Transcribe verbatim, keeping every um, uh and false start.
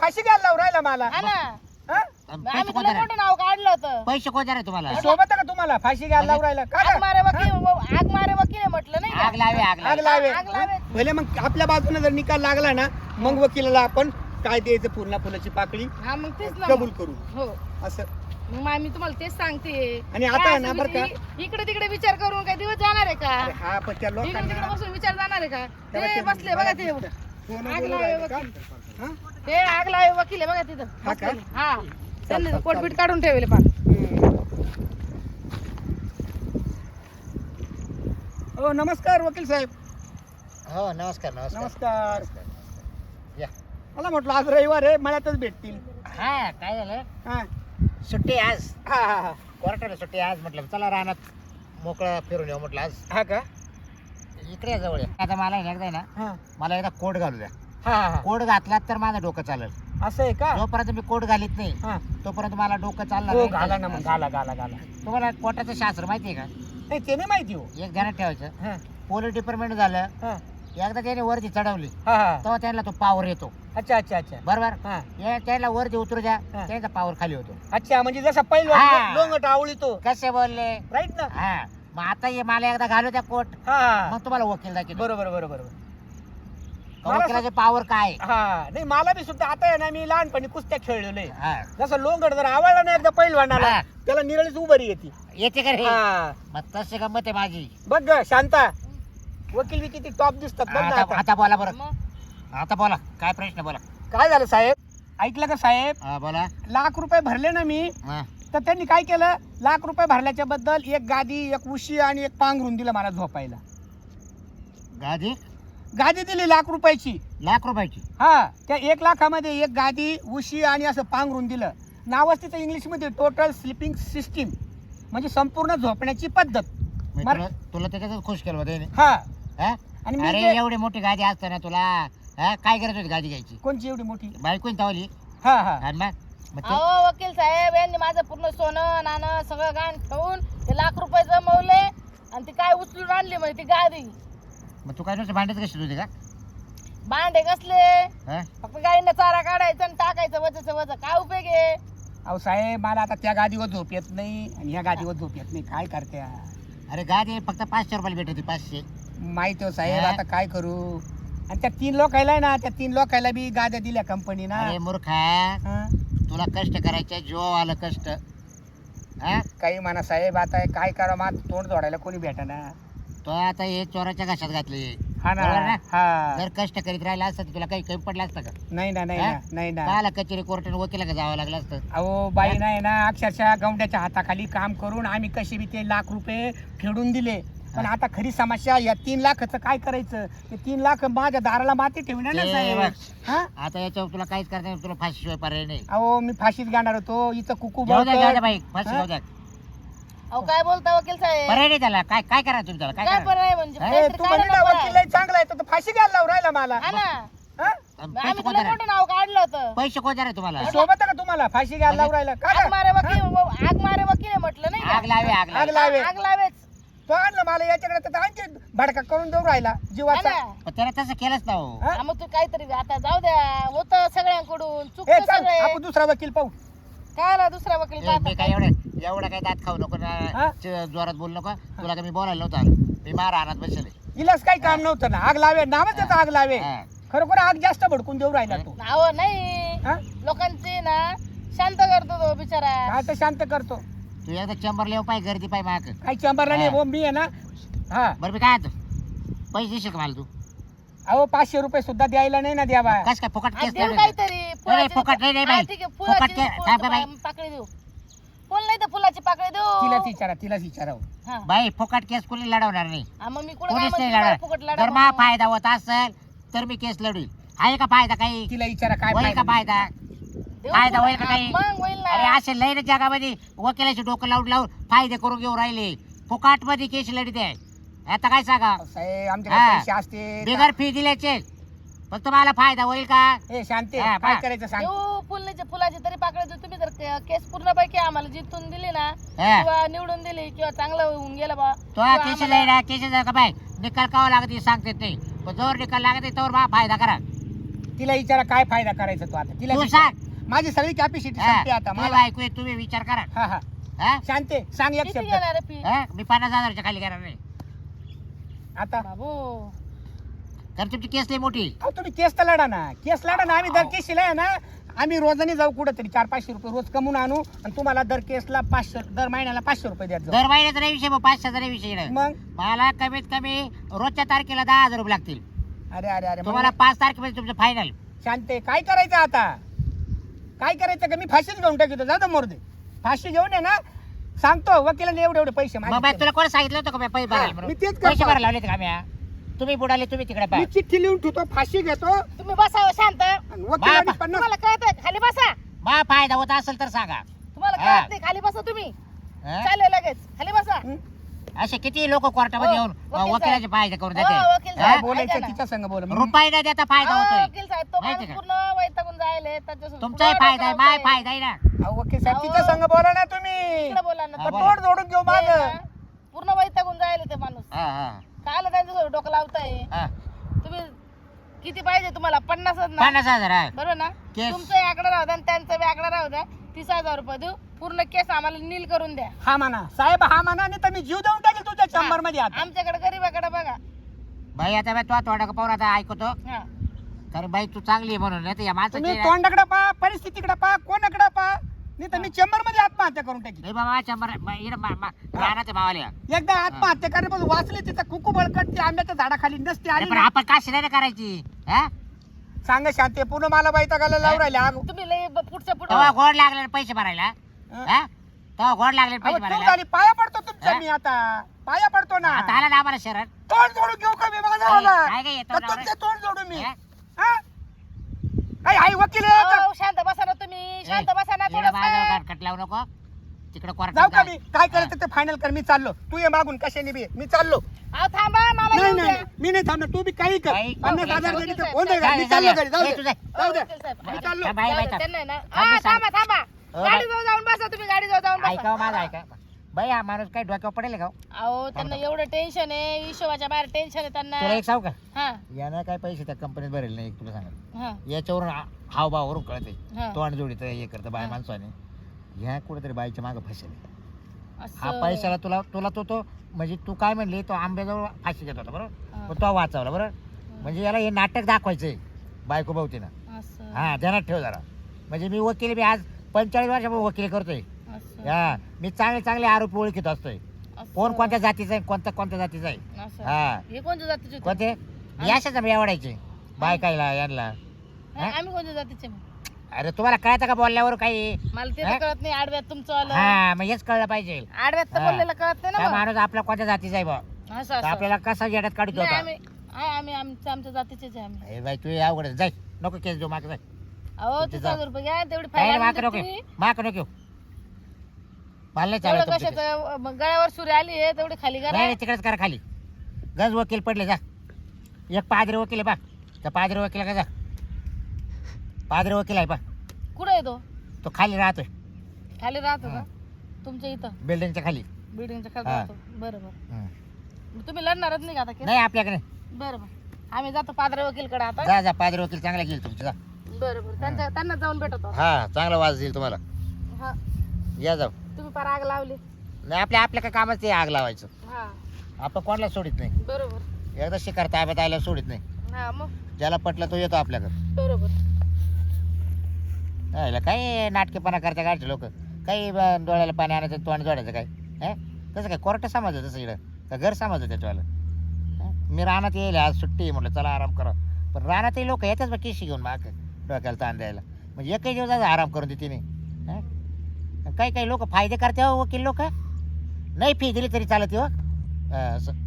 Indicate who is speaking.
Speaker 1: फाशी घ्यायला लावून राहिला मला
Speaker 2: हा ना
Speaker 1: हा?
Speaker 2: आम्ही तुला मोठं नाव काढलं होतं.
Speaker 3: पैसे कोण देणार तुम्हाला?
Speaker 1: सोबत आहे का तुम्हाला फाशी घ्यायला लावून राहिला का
Speaker 2: आग मारे वकील आग मारे वकील आहे म्हटलं नाही का?
Speaker 3: आग लावे आग
Speaker 1: आग
Speaker 3: लावे
Speaker 1: लावे
Speaker 2: आग लावे.
Speaker 1: भले मग आपल्या बाजूने जर निकाल लागला ना मग वकिलाला आपण काय द्यायचं पूर्ण फुलाची पाकळी
Speaker 2: हा मग तेच ना
Speaker 1: कबूल
Speaker 2: मग.
Speaker 1: करू
Speaker 2: हो
Speaker 1: असं.
Speaker 2: मग आम्ही तुम्हाला तेच सांगते.
Speaker 1: आणि आता
Speaker 2: काय
Speaker 1: आहे ना
Speaker 2: असं
Speaker 1: बरं का
Speaker 2: विचार- इकडे तिकडे विचार करून काही दिवस जाणार आहे का?
Speaker 1: अरे हा पण त्या
Speaker 2: इकडे तिकडे
Speaker 1: लोकांना
Speaker 2: बसून विचार जाणार आहे का?
Speaker 1: तेव्हा
Speaker 2: ते
Speaker 1: ते
Speaker 2: बसले बघा ते
Speaker 1: फोन
Speaker 2: आग
Speaker 1: बोलून
Speaker 2: लावे
Speaker 1: राहिले का?
Speaker 2: वकील.
Speaker 1: हा?
Speaker 2: ते आग लावे वकील आहे बघा तिथं
Speaker 1: हा का?
Speaker 2: बसलेले. हा त्यांनी
Speaker 1: चाल,
Speaker 2: कोटपीट
Speaker 1: चाल.
Speaker 2: काढून ठेवले पार.
Speaker 1: हम्म. हो नमस्कार वकील साहेब.
Speaker 3: हो नमस्कार नमस्कार
Speaker 1: नमस्कार.
Speaker 3: या.
Speaker 1: मला म्हटलं आज रविवार आहे मळ्यातच भेटतील.
Speaker 3: हा काय झालं
Speaker 1: हा
Speaker 3: सुट्टी आज
Speaker 1: हा हा हा.
Speaker 3: कोर्टाला सुट्टी आज म्हटलं चला रानात मोकळं फिरून येऊ म्हटलं आज
Speaker 1: हा का
Speaker 3: इकडे या जवळ या. आता मला एकदा आहे ना
Speaker 1: हा
Speaker 3: मला एकदा कोट घालू द्या.
Speaker 1: हा हा
Speaker 3: कोट घातला तर माझं डोकं चालेल.
Speaker 1: असं आहे का?
Speaker 3: जोपर्यंत मी कोट घालीत नाही
Speaker 1: हा
Speaker 3: तोपर्यंत मला डोकं चालणार
Speaker 1: हो
Speaker 3: नाही.
Speaker 1: घाला ना मग घाला घाला घाला.
Speaker 3: तुम्हाला कोर्टाचं शास्त्र माहिती आहे का?
Speaker 1: नाही ते नाही माहिती हो.
Speaker 3: एक ध्यानात ठेवायचं
Speaker 1: हा
Speaker 3: पोलीस डिपार्टमेंट झालं
Speaker 1: हा
Speaker 3: एकदा त्याने वरती चढवली
Speaker 1: हा हा.
Speaker 3: तेव्हा त्यांना तो पावर येतो
Speaker 1: अच्छा अच्छा अच्छा
Speaker 3: बरोबर.
Speaker 1: हा
Speaker 3: हे त्याला वरती उतरू द्या
Speaker 1: हा.
Speaker 3: त्यांचा पावर खाली होतो.
Speaker 1: अच्छा म्हणजे जसा पहिला
Speaker 3: हा.
Speaker 1: लोंगट आवळी तो
Speaker 3: कसे बोलले
Speaker 1: राईट ना.
Speaker 3: हा मग आता हे मला एकदा घालू द्या कोट
Speaker 1: हा
Speaker 3: मग तुम्हाला वकील दाखवतो.
Speaker 1: बरोबर बरोबर बरोबर. मला
Speaker 3: वकिलाचे पावर काय?
Speaker 1: हा नाही मला बी सुद्धा आता आहे ना मी लहानपणी कुस्त्या खेळलेलो आहे.
Speaker 3: हा.
Speaker 1: जसं लोंगड जर आवडला ना एकदा पहिलवानाला
Speaker 3: हा.
Speaker 1: त्याला निरळीच उभारी येते.
Speaker 3: येते का रे?
Speaker 1: हा
Speaker 3: मग तशी गंमत आहे माझी.
Speaker 1: बघ ग शांता वकील बी किती टॉप दिसतात बघ ना
Speaker 3: आता
Speaker 1: आता.
Speaker 3: आता बोला बरं.
Speaker 2: मग
Speaker 3: आता बोला काय प्रश्न बोला.
Speaker 1: काय झालं साहेब ऐकलं का साहेब
Speaker 3: हा बोला.
Speaker 1: लाख रुपये भरले ना मी
Speaker 3: हा.
Speaker 1: तर त्यांनी काय केलं लाख रुपये भरल्याच्या बद्दल एक गादी एक उशी आणि एक पांघरून दिलं मला झोपायला.
Speaker 3: गादी
Speaker 1: गादी दिली लाख रुपयाची.
Speaker 3: लाख रुपयाची.
Speaker 1: हा त्या एक लाखामध्ये एक गादी उशी आणि असं पांघरून दिलं. नावच तिचं इंग्लिशमध्ये टोटल स्लिपिंग सिस्टीम म्हणजे संपूर्ण झोपण्याची पद्धत.
Speaker 3: मग
Speaker 1: मर-
Speaker 3: तुला तुला त्याच्यातच खुश केलं होतं.
Speaker 1: हा
Speaker 3: हा?
Speaker 1: आणि मी
Speaker 3: अरे
Speaker 1: जे-
Speaker 3: एवढी मोठी गादी असताना तुला हा काय करत होती गादी घ्यायची?
Speaker 1: कोणची एवढी मोठी?
Speaker 3: बायकोन तावली
Speaker 1: हा हा
Speaker 3: आणि मग मग ते-
Speaker 2: अहो वकील साहेब यांनी माझं पूर्ण सोनं नाणं सगळं गाण ठेवून ते लाख रुपये जमवले आणि ती काय उचलून आणली म्हणजे ती गादी.
Speaker 3: मग तू काय नुसतं भांडत कशी होती का?
Speaker 2: भांडे कसले
Speaker 3: हा?
Speaker 2: फक्त गाईंना चारा काढायचा आणि टाकायचं वजचं वज काय उपयोग आहे?
Speaker 1: अहो साहेब मला आता त्या गादीवर झोप येत नाही आणि ह्या गादीवर झोप येत नाही. काय करत्या
Speaker 3: अरे गादी फक्त पाचशे रुपयाला भेटत होती पाचशे.
Speaker 1: माहिती हो साहेब
Speaker 3: हा?
Speaker 1: आता काय करू. आणि त्या तीन लोकायला आहे ना त्या तीन लोकायला बी गाद्या दिल्या कंपनीना.
Speaker 3: अरे मूर्खा
Speaker 1: हा?
Speaker 3: तुला कष्ट करायचे जो आलं कष्ट. हा
Speaker 1: काही म्हणा साहेब आता काय करा मग तोंड जोडायला कोणी भेटाना.
Speaker 3: तो आता हे चोराच्या घशात घातले.
Speaker 1: हा ना
Speaker 3: बरोबर ना?
Speaker 1: हा
Speaker 3: जर कष्ट करीत राहिला असतं तर तुला काही कमी पडलं असतं का?
Speaker 1: नाही ना नाही
Speaker 3: हा?
Speaker 1: ना नाही ना.
Speaker 3: काला कचेरी कोर्टाने वकिला का जावं लागलं असतं.
Speaker 1: अहो बाई नाही ना अक्षरशः गवंड्याच्या हाताखाली काम करून आम्ही कशी बी ते लाख रुपये फेडून दिले. पण आता खरी समस्या या तीन लाखाचं काय करायचं. ते तीन लाख माझ्या दाराला माती ठेवणार ना
Speaker 3: ते
Speaker 1: साहेब.
Speaker 3: बघ.
Speaker 1: हा
Speaker 3: आता याच्यावर तुला काहीच करता नाही. तुला फाशीशिवाय पर्याय नाही.
Speaker 1: अहो मी फाशीत घेणार होतो इथं कुकू
Speaker 3: जाऊ द्या जाऊ द्या
Speaker 1: बळकट.
Speaker 3: बाई फाशी
Speaker 1: हा?
Speaker 3: जाऊ द्या.
Speaker 2: अहो काय बोलता वकील साहेब?
Speaker 3: पर्याय नाही त्याला. काय काय करा तुम्ही त्याला काय
Speaker 2: काय
Speaker 3: करा?
Speaker 2: पर्याय म्हणजे
Speaker 3: हा?
Speaker 1: ए,
Speaker 2: काहीतरी
Speaker 1: तू
Speaker 2: काढा
Speaker 1: म्हणजे
Speaker 2: ना
Speaker 1: ना
Speaker 2: पर्याय.
Speaker 1: वकील लय चांगला आहे तर फाशी घ्यायला लावून राहिला मला.
Speaker 2: हा ना
Speaker 1: हा?
Speaker 2: आम्ही
Speaker 3: पैसे कोण
Speaker 2: तुला
Speaker 3: देणार?
Speaker 2: मोठं नाव काढलं होतं.
Speaker 3: पैसे कोण देणार तुम्हाला?
Speaker 1: सोबत आहे का तुम्हाला फाशी घ्यायला लावून राहिला का
Speaker 2: आग मारे
Speaker 1: गं?
Speaker 2: वकील आग मारे वकील आहे म्हटलं नाही का?
Speaker 3: आग लावे आग
Speaker 1: आग
Speaker 3: लावे.
Speaker 1: लावे.
Speaker 2: आग लावेच.
Speaker 1: तो आणलं मला याच्याकडे तर आणखी भडका करून देऊ राहिला
Speaker 2: हा
Speaker 1: जीवाचा.
Speaker 2: ना.
Speaker 3: पण त्याला तसं केलंच ना हो.
Speaker 1: हा?
Speaker 2: हा, मग तू काहीतरी आता जाऊ द्या होतं सगळ्यांकडून
Speaker 1: ए
Speaker 2: चुकतं
Speaker 1: चल
Speaker 2: सगळे.
Speaker 1: आपण दुसरा वकील पाहू.
Speaker 2: काय आला दुसरा वकील
Speaker 3: ए,
Speaker 2: पाहता
Speaker 3: मी काय एवढं एवढं काय दात खाऊ नको
Speaker 1: हा?
Speaker 3: ना च- जोरात बोलू नको. तुला काय मी बोलायला नव्हतं आलं. मी मारा रानात बसले.
Speaker 1: इलाच काही काम नव्हतं ना. आग लावे नावच त्याचं आग लावे.
Speaker 3: हा.
Speaker 1: खरोखर आग जास्त भडकून देऊ राहिला तो.
Speaker 2: अहो नाही
Speaker 1: हा?
Speaker 2: लोकांची ना शांत करतो तो बिचारा.
Speaker 1: काय तर शांत करतो.
Speaker 3: तू एकदा चंबर लेव पाय गर्दी पाय माग.
Speaker 1: काही चंबरला नाही
Speaker 3: हा.
Speaker 1: हो मी आहे ना. हा
Speaker 3: बरं मी काय आता पैसे देशील का मला तू?
Speaker 1: अहो पाचशे रुपये सुद्धा द्यायला नाही ना द्यावा.
Speaker 3: कस काय फुकट
Speaker 2: आ,
Speaker 3: केस
Speaker 2: देऊ
Speaker 3: नाही
Speaker 2: काहीतरी
Speaker 3: नाही,
Speaker 2: फुलाची-
Speaker 3: फुकट नाही, नाही,
Speaker 2: हा,
Speaker 3: बाई.
Speaker 2: ठीक आहे,
Speaker 3: फुकट
Speaker 2: फुलाची-
Speaker 3: के-
Speaker 2: फुलाची
Speaker 3: थांब, बाई.
Speaker 2: पाकळी देऊ. फुल नाही तर फुलाची पाकळी देऊ.
Speaker 1: तिलाच विचारा तिलाच विचारा.
Speaker 2: हा.
Speaker 3: बाई फुकट केस कोणी लढवणार नाही.
Speaker 2: हा, मग मी कुठं काय
Speaker 3: कोणीच नाही
Speaker 2: म्हणते,
Speaker 3: लढणार.
Speaker 2: फुकट लढा
Speaker 3: जर मा
Speaker 2: म्हणून.
Speaker 3: फायदा होत असेल तर मी केस लढवील. आहे का फायदा काही?
Speaker 1: तिला विचारा काय
Speaker 3: होईल का
Speaker 1: फायदा.
Speaker 3: फायदा?
Speaker 2: देऊ
Speaker 3: फायदा
Speaker 2: फुकट.
Speaker 3: होईल का
Speaker 2: हा,
Speaker 3: काही?
Speaker 2: मग होईल ना.
Speaker 3: अरे असे लई ना जगामध्ये वकिलाचे डोकं लावून लावून फायदे करून घेऊन राहिले. फुकट मध्ये केस लढीत आहे. आता काय सांगा?
Speaker 1: साहेब आमच्याकडे
Speaker 3: हा.
Speaker 1: पैसे असते.
Speaker 3: बिगर फी दिल्याचे फक्त मला फायदा होईल का?
Speaker 1: ए शांती
Speaker 3: हा,
Speaker 1: काय
Speaker 3: पहा.
Speaker 1: करायचं सांग.
Speaker 2: देऊ फुलाची फुलाची तरी पाकळी देऊ. तुम्ही जर के- केस पूर्णपैकी आम्हाला जिंकून दिली ना
Speaker 3: हा.
Speaker 2: किंवा निवडून दिली किंवा चांगलं होऊन गेलं बा
Speaker 3: तो
Speaker 2: किंवा
Speaker 3: केस
Speaker 2: आम्हाला-
Speaker 3: लढा केस का बाय निकाल कावा लागत सांगते नाही. पण जोर निकाल लागत तोवर बा फायदा करा.
Speaker 1: तिला विचारा काय फायदा करायचा तो आता तिला
Speaker 3: तू
Speaker 1: विचार.
Speaker 3: सांग
Speaker 1: माझी सगळी कॅपॅसिटी
Speaker 3: हा,
Speaker 1: संपली आता
Speaker 3: तुला
Speaker 1: मला
Speaker 3: ऐकू येत, तुम्ही विचार करा
Speaker 1: हा हा
Speaker 3: हा?
Speaker 1: शांते सांग एक
Speaker 2: किती
Speaker 1: शब्द
Speaker 2: घेणार आहे फी
Speaker 3: हा? मी पन्नास हजाराच्या खाली घेणार नाही
Speaker 1: आता
Speaker 2: बाबू
Speaker 3: कारण तुमची केस लई मोठी
Speaker 1: अहो तुम्ही केस तर लढा ना केस लढा ना आम्ही दर केसीला आहे ना आम्ही रोजाने जाऊ कुठं तरी चार पाचशे रुपये रोज कमवून आणू आणि तुम्हाला दर केसला पाचशे दर महिन्याला पाचशे रुपये द्यायचं
Speaker 3: दर महिन्याचा नाही विषय, मग पाच हजार विषय इकडं.
Speaker 1: मग
Speaker 3: मला कमीत कमी रोजच्या तारखेला दहा हजार रुपये लागतील
Speaker 1: अरे अरे अरे
Speaker 3: तुम्हाला
Speaker 1: मग
Speaker 3: पाच तारखेमध्ये तुमचं फायनल.
Speaker 1: शांते काय करायचं आता काय करायचं का मी फाशीच घेऊन टाकतो जाऊ दे मोरदे फाशी घेऊन ये ना सांगतो वकिलाने एवढे एवढे पैसे
Speaker 3: मग
Speaker 1: मागितले.
Speaker 3: बाई तुला कोण सांगितलं होतं का मी पैसे भरायला
Speaker 1: हा,
Speaker 3: म्हणून?
Speaker 1: मी तेच करतो.
Speaker 3: पैसे भरायला लावले का मी? तुम्ही बुडाले, तुम्ही तिकडे
Speaker 1: मी
Speaker 3: पहा.
Speaker 1: चिठ्ठी लिहून ठेवतो फाशी घेतो
Speaker 2: तुम्ही बसा शांत
Speaker 1: आणि वकिलाने
Speaker 3: बाबा.
Speaker 1: पन्नास
Speaker 2: तुम्हाला कळत खाली बसा
Speaker 3: मा फायदा होत असेल तर सांगा.
Speaker 2: तुम्हाला
Speaker 3: हा.
Speaker 2: कळत नाही खाली बसा तुम्ही
Speaker 3: हा?
Speaker 2: चालेल लगेच खाली बसा
Speaker 1: हं?
Speaker 3: असे किती लोक कोर्टामध्ये
Speaker 2: हो,
Speaker 3: येऊन
Speaker 2: वकील
Speaker 3: वकिलाचे
Speaker 2: साहेब.
Speaker 3: फायदे करून
Speaker 2: हो, वकील
Speaker 3: देते
Speaker 2: साहेब.
Speaker 3: हा?
Speaker 1: बोलायचं
Speaker 2: ऐका ना.
Speaker 1: तिच्या संग बोल
Speaker 3: रुपये न देता फायदा
Speaker 2: अहो,
Speaker 3: होतोय.
Speaker 2: वकील साहेब तो
Speaker 3: माहिती
Speaker 2: माणूस
Speaker 3: का?
Speaker 2: पूर्ण वैतागून जायले त्याच्यासोबत
Speaker 3: तुमचाही
Speaker 2: पुढं
Speaker 3: फायदा आहे,
Speaker 2: डोकं
Speaker 3: माय
Speaker 2: लावतोय.
Speaker 3: फायदा आहे ना.
Speaker 1: अहो वकील साहेब
Speaker 2: अहो.
Speaker 1: तिच्या संग बोला ना तुम्ही
Speaker 2: इकडे बोला ना
Speaker 3: हा,
Speaker 1: तर
Speaker 3: बोला.
Speaker 1: तोड जोडून घेऊ
Speaker 2: ते
Speaker 1: माझ
Speaker 2: ना, पूर्ण वैतागून जायले ते माणूस
Speaker 3: हा, हा,
Speaker 2: काल त्यांच्यासोबत डोकं लावताय
Speaker 3: हा.
Speaker 2: तुम्ही किती पाहिजे तुम्हाला पन्नासच ना
Speaker 3: पन्नास हजार आहे.
Speaker 2: बरोबर ना
Speaker 3: केस.
Speaker 2: तुमचा आकडा राहू द्या आणि त्यांचा बी आकडा राहू द्या तीस हजार रुपये देऊ पूर्ण केस आम्हाला नील करून द्या
Speaker 1: हा म्हणा साहेब हा म्हणा नाही तर मी जीव देऊन टाकेल तुझ्या चंबर मध्ये आता
Speaker 2: आमच्याकडे गरीबाकडे बघा
Speaker 3: बाई आता बाई तो थोडा पाहून आता ऐकतो
Speaker 2: हा
Speaker 3: कारण बाई तू चांगली आहे म्हणून नाही तर या
Speaker 1: तुम्ही
Speaker 3: माणसाची
Speaker 1: तोंडाकडे पहा परिस्थितीकडे पहा कोणाकडे पहा नाही तर मी चेंबर मध्ये आत्महत्या करून टाकी
Speaker 3: नाही बाबा शंभर राहणार मावाल्या
Speaker 1: एकदा आत्महत्या करण्यापासून वाचले तिथं कुकू बळकट ती आंब्याच्या झाडाखाली नसते आली
Speaker 3: पण
Speaker 1: ना.
Speaker 3: आपण काशी नाही ना करायची हा?
Speaker 1: सांगा शांती पूर्ण मला बायता लावून राहिले आग
Speaker 2: तुम्ही लय ब- पुढच्या
Speaker 3: तेव्हा
Speaker 2: पुढे
Speaker 3: गोड लागले ना पैसे भरायला हा? तेव्हा गोड लागले ना
Speaker 1: अहो,
Speaker 3: पैसे
Speaker 1: चूक
Speaker 3: भरायला
Speaker 1: झाली पाया पडतो तुमच्या
Speaker 3: हा?
Speaker 1: मी आता पाया पडतो ना
Speaker 3: आता आला ना आम्हाला शरण
Speaker 1: तोंड जोडून घेऊ का मी माझा
Speaker 3: काय-
Speaker 1: वाला?
Speaker 3: काय काय येतं
Speaker 1: का
Speaker 3: नवरा?
Speaker 1: तुमचे तोंड जोडू मी
Speaker 3: हा?
Speaker 1: हा? आई आई वकील आहे आता.
Speaker 2: शांत बसा ना तुम्ही शांत बसा ना
Speaker 3: इकडं माझ्यावर
Speaker 2: थोडं
Speaker 3: कट लावू नको तिकडे कोर्टात
Speaker 1: जाऊ का
Speaker 3: जा.
Speaker 1: मी काय करायचं ते फायनल कर मी चाललो तू ये मागून कशाने बी ये. मी चाललो
Speaker 2: अहो थांबा मला
Speaker 1: नाही
Speaker 2: येऊ
Speaker 1: नाही
Speaker 2: द्या.
Speaker 1: नाही. मी नाही थांबणार तू बी काही कर
Speaker 3: काही-
Speaker 1: पन्नास
Speaker 3: वकील
Speaker 1: हजार
Speaker 2: साहेब,
Speaker 1: जरी तर
Speaker 2: वकील
Speaker 1: होऊन जाईल.
Speaker 3: साहेब.
Speaker 1: मी चाललो
Speaker 3: जाऊ
Speaker 1: घरी जाऊ
Speaker 3: दे.
Speaker 1: दे
Speaker 3: तुझं.
Speaker 1: जाऊ दे
Speaker 2: वकील साहेब.
Speaker 1: मी चाललो
Speaker 3: थांब, बाई,
Speaker 2: जाऊ
Speaker 3: बाई,
Speaker 2: दे,
Speaker 3: थांब.
Speaker 2: त्यांना आहे ना
Speaker 3: थांब,
Speaker 2: हा,
Speaker 3: मी सांग-
Speaker 2: थांबा थांबा
Speaker 3: हो,
Speaker 2: गाडी
Speaker 3: बाई.
Speaker 2: जाऊन बसा तुम्ही गाडी जाऊन
Speaker 3: ऐका हो,
Speaker 2: बसा
Speaker 3: माझं ऐका बाई हा माणूस काही डोक्यावर पडेल का हो?
Speaker 2: अहो त्यांना एवढं टेन्शन आहे हिशोबाच्या बाहेर टेन्शन आहे त्यांना
Speaker 3: तुला एक सांगू का
Speaker 2: हा
Speaker 3: यानं काय पैसे त्या कंपनीत भरेल नाही तुला सांगा
Speaker 2: हा
Speaker 3: याच्यावरून हा- हावभावावरून कळते
Speaker 2: हा
Speaker 3: तोंड जोडीचं हे करतं बाय
Speaker 2: हा.
Speaker 3: माणसाने ह्या कुठेतरी बाईच्या मागं फसेल हा
Speaker 2: असं
Speaker 3: पैशाला तुला तुला तो तो म्हणजे तू काय म्हणली तो आंब्याजवळ फाशी घेत होता बरोबर
Speaker 2: हा.
Speaker 3: पण तो वाचवला बरोबर म्हणजे याला हे नाटक दाखवायचंय बायको भावतीनं
Speaker 2: असं
Speaker 3: हा ध्यानात ठेव जरा म्हणजे मी वकील मी आज पंचेचाळीस वर्षापासून वकील करतोय
Speaker 2: असं
Speaker 3: हा मी चांगले चांगले आरोपी ओळखीत असतोय
Speaker 2: असं.
Speaker 3: कोण कोणत्या जातीचा आहे कोणत्या कोणत्या जातीचा आहे
Speaker 2: असं.
Speaker 3: हा
Speaker 2: हे कोणत्या जातीचे होते?
Speaker 3: कोणते याशाच मी आवडायचे बायकायला यांना
Speaker 2: नाही, आम्ही कोणत्या जातीचे मग?
Speaker 3: अरे तुम्हाला कळतं का बोलल्यावर काही
Speaker 2: मला ते
Speaker 3: हा?
Speaker 2: तर कळत नाही आडव्यात तुमचं आलं
Speaker 3: हा मग हेच कळलं पाहिजे
Speaker 2: आडव्यात तर
Speaker 3: हा.
Speaker 2: बोललेलं कळत नाही
Speaker 3: काय
Speaker 2: ना मग.
Speaker 3: माणूस आपला कोणत्या जातीचा आहे बा
Speaker 2: असं
Speaker 3: तर
Speaker 2: असं
Speaker 3: आपल्याला कसा येड्यात काढतो
Speaker 2: नाही,
Speaker 3: होता
Speaker 2: आम्ही आहे, आम्ही आमच्या आमच्या जातीचेच आहे आम्ही
Speaker 3: ए बाई तू अवघड आहे. जाय नको केस देऊ माग जाय
Speaker 2: अहो
Speaker 3: तुमचे
Speaker 2: तीस
Speaker 3: जा.
Speaker 2: हजार रुपये घ्या तेवढी
Speaker 3: काय
Speaker 2: फाईल
Speaker 3: माग
Speaker 2: आणून
Speaker 3: नको
Speaker 2: देते मी.
Speaker 3: माग नको घेऊ. मला नाही
Speaker 2: तेवढं
Speaker 3: चालत तुमचं केस.
Speaker 2: कशाचं मग गळ्यावर सुरी आली आहे तेवढी खाली
Speaker 3: नाही
Speaker 2: करा
Speaker 3: नाही, तिकडेच करा खाली गज वकील पडले जा एक पादरी वकील आहे बा त्या पादरी वकील का जा पादरी वकील आहे बा
Speaker 2: कुठे येतो
Speaker 3: तो खाली राहतोय
Speaker 2: खाली राहतो का
Speaker 3: हा.
Speaker 2: तुमच्या इथं
Speaker 3: बिल्डिंगच्या खाली
Speaker 2: बिल्डिंगच्या खाली
Speaker 3: हा.
Speaker 2: राहतो बरोबर
Speaker 3: हम्म.
Speaker 2: तुम्ही लढणारच नाही का आता केस?
Speaker 3: नाही आपल्याकडे
Speaker 2: बरोबर आम्ही जातो पादरे वकीलकडे आता
Speaker 3: जा जा पादरी वकील चांगला घेईल तुमचं जा
Speaker 2: बरोबर त्यांच्या त्यांना जाऊन भेटतो
Speaker 3: हा चांगला वाज देईल तुम्हाला
Speaker 2: हा
Speaker 3: या जाऊ
Speaker 2: तुम्ही पार आग लावली
Speaker 3: नाही आपल्या आपल्या काय कामच ते आग लावायचं
Speaker 2: हा
Speaker 3: आपण कोणाला सोडित नाही
Speaker 2: बरोबर
Speaker 3: एकदा शिकार ताब्यात आयला सोडित नाही
Speaker 2: हा मग
Speaker 3: ज्याला पटलं तो येतो आपल्याकडे
Speaker 2: बरोबर
Speaker 3: यायला काय नाटकेपणा करता काढचे लोक काही ब- डोळ्याला पाणी आणायचं तोंड जोडायचं काय हे तसं काय कोर्ट समजलं तसं इकडं का घर समजलं त्याच्यावालं हं? मी रानात येईल आज सुट्टी आहे म्हटलं चला आराम करा पण रानातही लोक येतात बा केशी घेऊन माग डोक्याला ताण द्यायला म्हणजे एकही दिवस आराम करून देते नाही काही काही लोक फायदे करते हो वकील लोक नाही फी दिली तरी चालत हो असं